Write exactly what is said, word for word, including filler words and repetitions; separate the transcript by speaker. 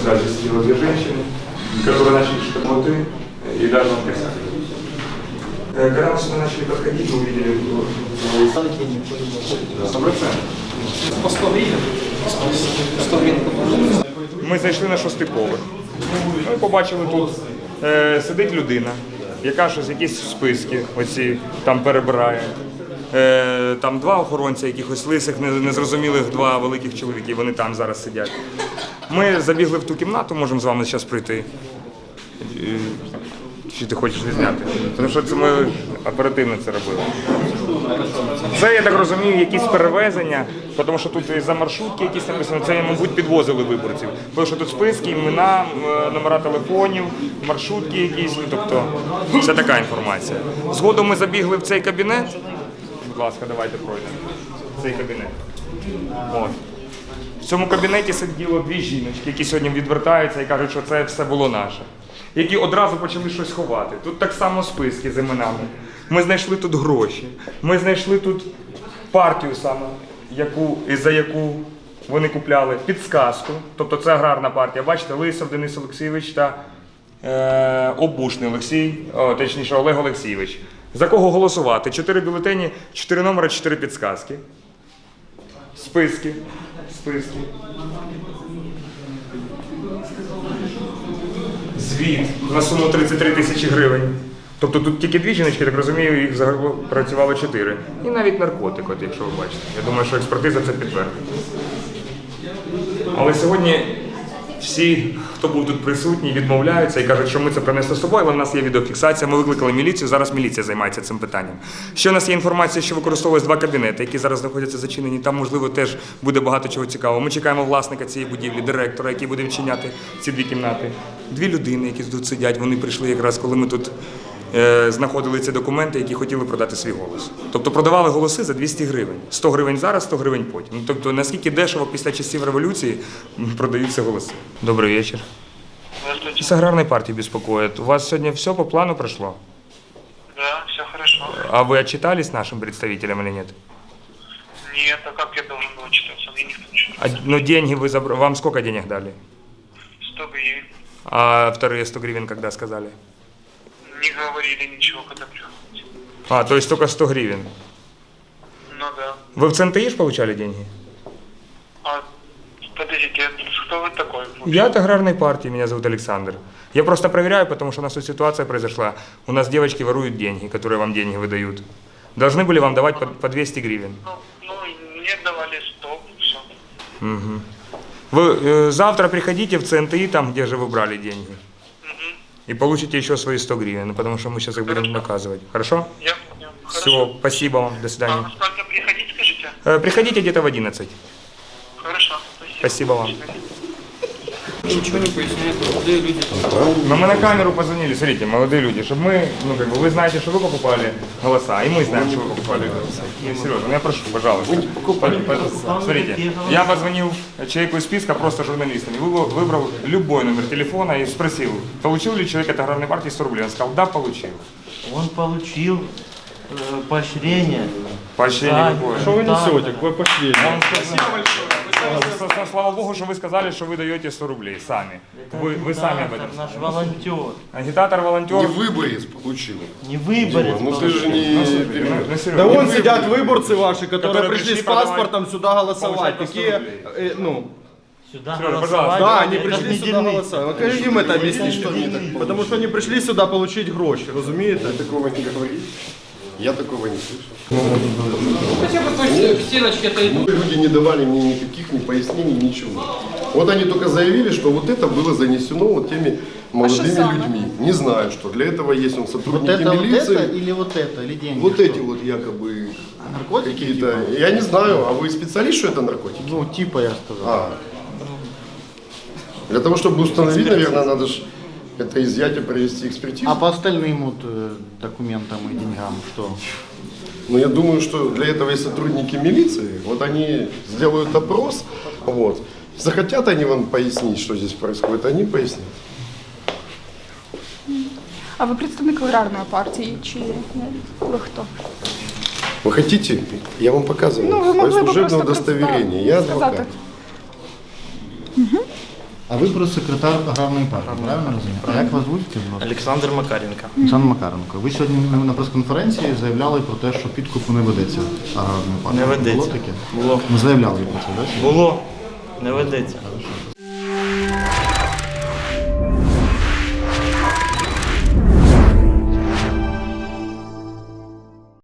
Speaker 1: сзади сидела две женщины, которые начали что-то муты и даже он писали. Когда мы сюда начали подходить, мы увидели сто процентов.
Speaker 2: По сто гривень. сто гривень.
Speaker 1: Ми зайшли на шостий поверх. Ми побачили, тут е, сидить людина, яка щось, якісь списки оці там перебирає. Е, там два охоронця, якихось лисих, незрозумілих два великих чоловіки, вони там зараз сидять. Ми забігли в ту кімнату, можемо з вами зараз прийти. Е, Чи ти хочеш відзняти? Тому що це ми оперативно це робили. Це, я так розумію, якісь перевезення, тому що тут і за маршрутки якісь написано, це, мабуть, підвозили виборців. Тому що тут списки, імена, номера телефонів, маршрутки якісь, тобто це така інформація. Згодом ми забігли в цей кабінет. Будь ласка, давайте пройдемо. Цей кабінет. От. В цьому кабінеті сиділо дві жіночки, які сьогодні відвертаються і кажуть, що це все було наше. Які одразу почали щось ховати. Тут так само списки з іменами. Ми знайшли тут гроші. Ми знайшли тут партію саме, яку, за яку вони купляли, підсказку. Тобто це аграрна партія. Бачите, Лисов Денис Олексійович та е, Обушний Олексій, о, точніше Олег Олексійович. За кого голосувати? Чотири бюлетені, чотири номери, чотири підсказки. Списки. Списки. Звіт на суму тридцять три тисячі гривень. Тобто тут тільки дві жіночки, так розумію, їх взагалі працювало чотири. І навіть наркотик, от, якщо ви бачите. Я думаю, що експертиза це підтвердить. Але сьогодні всі, хто був тут присутній, відмовляються і кажуть, що ми це принесли з собою, але в нас є відеофіксація, ми викликали міліцію, зараз міліція займається цим питанням. Ще у нас є інформація, що використовують два кабінети, які зараз знаходяться зачинені, там, можливо, теж буде багато чого цікавого. Ми чекаємо власника цієї будівлі, директора, який буде відчиняти ці дві кімнати. Дві людини, які тут сидять, вони прийшли якраз, коли ми тут е, знаходили ці документи, які хотіли продати свій голос. Тобто продавали голоси за двісті гривень. сто гривень зараз, сто гривень потім. Ну, тобто, наскільки дешево після часів революції продаються голоси. Добрый вечер.
Speaker 3: Здравствуйте.
Speaker 1: С аграрной партии беспокоит. У вас сегодня все по плану прошло?
Speaker 3: Да, все хорошо.
Speaker 1: А вы отчитались нашим представителям или нет?
Speaker 3: Нет, а как я должен был отчитаться? Мне никто ничего не
Speaker 1: А,
Speaker 3: сказал.
Speaker 1: ну деньги вы забрали. Вам сколько денег дали?
Speaker 3: сто гривен.
Speaker 1: А вторые сто гривен когда сказали?
Speaker 3: Не говорили ничего, когда приходите.
Speaker 1: А, то есть только сто гривен.
Speaker 3: Ну да.
Speaker 1: Вы в ЦНТИ получали деньги?
Speaker 3: А, подождите, кто вы такой?
Speaker 1: Я от аграрной партии, меня зовут Александр. Я просто проверяю, потому что у нас тут ситуация произошла. У нас девочки воруют деньги, которые вам деньги выдают. Должны были вам давать по, по двести гривен.
Speaker 3: Ну, ну, мне давали сто, все.
Speaker 1: Угу. Вы э, завтра приходите в ЦНТИ, там, где же вы брали деньги.
Speaker 3: Угу.
Speaker 1: И получите еще свои сто гривен, потому что мы сейчас их будем наказывать. Хорошо?
Speaker 3: Я понял.
Speaker 1: Все, спасибо вам, до
Speaker 3: А
Speaker 1: свидания.
Speaker 3: во сколько приходить, скажите?
Speaker 1: Э, приходите где-то в одиннадцать.
Speaker 3: Хорошо, спасибо.
Speaker 1: Спасибо вам.
Speaker 2: Ничего не поясняют, молодые люди.
Speaker 1: Но мы на камеру позвонили, смотрите, молодые люди, чтобы мы, ну как бы, вы знаете, что вы покупали голоса, и мы знаем, что вы покупали голоса. Не, серьезно, ну я прошу, пожалуйста. Вы покупали голоса. Смотрите, я позвонил человеку из списка, просто журналистами, выбрал любой номер телефона и спросил, получил ли человек от аграрной партии сто рублей. Он сказал, да, получил.
Speaker 4: Он получил э, поощрение.
Speaker 1: Поощрение какое?
Speaker 5: Что вы несете? Какое поощрение?
Speaker 1: Он сказал, слава богу, что вы сказали, что вы даете сто рублей сами. Вы, вы сами об этом
Speaker 4: Наш
Speaker 1: сказали.
Speaker 4: волонтер.
Speaker 1: Агитатор, волонтер.
Speaker 6: Не выборец получил.
Speaker 4: Не выборец.
Speaker 6: Ну ты же не...
Speaker 1: Ну, ну, Серега,
Speaker 5: Да
Speaker 1: не
Speaker 5: вон
Speaker 1: вы-
Speaker 5: сидят выборцы ваши, которые,
Speaker 1: Которые
Speaker 5: пришли
Speaker 1: пришли
Speaker 5: с паспортом сюда голосовать.
Speaker 1: получать по сто
Speaker 5: Какие,
Speaker 1: рублей.
Speaker 5: э, ну,
Speaker 4: Сюда
Speaker 1: Сережа,
Speaker 4: голосовать.
Speaker 5: да, они
Speaker 4: Это
Speaker 5: пришли
Speaker 4: не
Speaker 5: сюда
Speaker 4: дельницы.
Speaker 5: голосовать. Ну, как им это объяснить? Потому что они пришли сюда получить гроши, разумеете?
Speaker 6: Вы такого не говорите? Я такого не слышал.
Speaker 2: Хотя бы той стеночки это и
Speaker 6: Ну, люди не давали мне никаких ни пояснений, ничего. Вот они только заявили, что вот это было занесено вот теми молодыми людьми. Не знаю, что для этого есть он
Speaker 4: Вот
Speaker 6: сотрудники
Speaker 4: это, вот
Speaker 6: милиции.
Speaker 4: это или вот это, или деньги?
Speaker 6: Вот
Speaker 4: что?
Speaker 6: эти вот якобы
Speaker 4: Наркотики
Speaker 6: какие-то.
Speaker 4: типа?
Speaker 6: Я не знаю, а вы специалист, что это наркотики?
Speaker 4: Ну, типа я сказал.
Speaker 6: А. Для того, чтобы установить, наверное, надо же это изъять и провести экспертизу.
Speaker 4: А по остальным вот э, документам и деньгам что?
Speaker 6: Но я думаю, что для этого есть сотрудники милиции. Вот они сделают опрос, вот. Захотят они вам пояснить, что здесь происходит, они пояснят.
Speaker 7: А ви представник аграрної партії чи ні? Ви хто?
Speaker 6: Вы хотите? Я вам показываю
Speaker 7: Ну, вы
Speaker 6: свое
Speaker 7: могли бы
Speaker 6: служебное
Speaker 7: просто
Speaker 6: удостоверение.
Speaker 7: представить,
Speaker 6: Я
Speaker 7: сказать.
Speaker 6: адвокат.
Speaker 4: А ви про секретар аграрної партії, правильно розумію? А як вас звуть? Скажіть, будь ласка?
Speaker 8: Олександр Макаренко.
Speaker 4: Олександр Макаренко. Ви сьогодні на прес-конференції заявляли про те, що підкупу не ведеться аграрної партії.
Speaker 8: Не ведеться.
Speaker 4: Було таке?
Speaker 8: Було.
Speaker 4: Ми заявляли про це, так?
Speaker 8: Було. Не ведеться.
Speaker 4: Хорошо.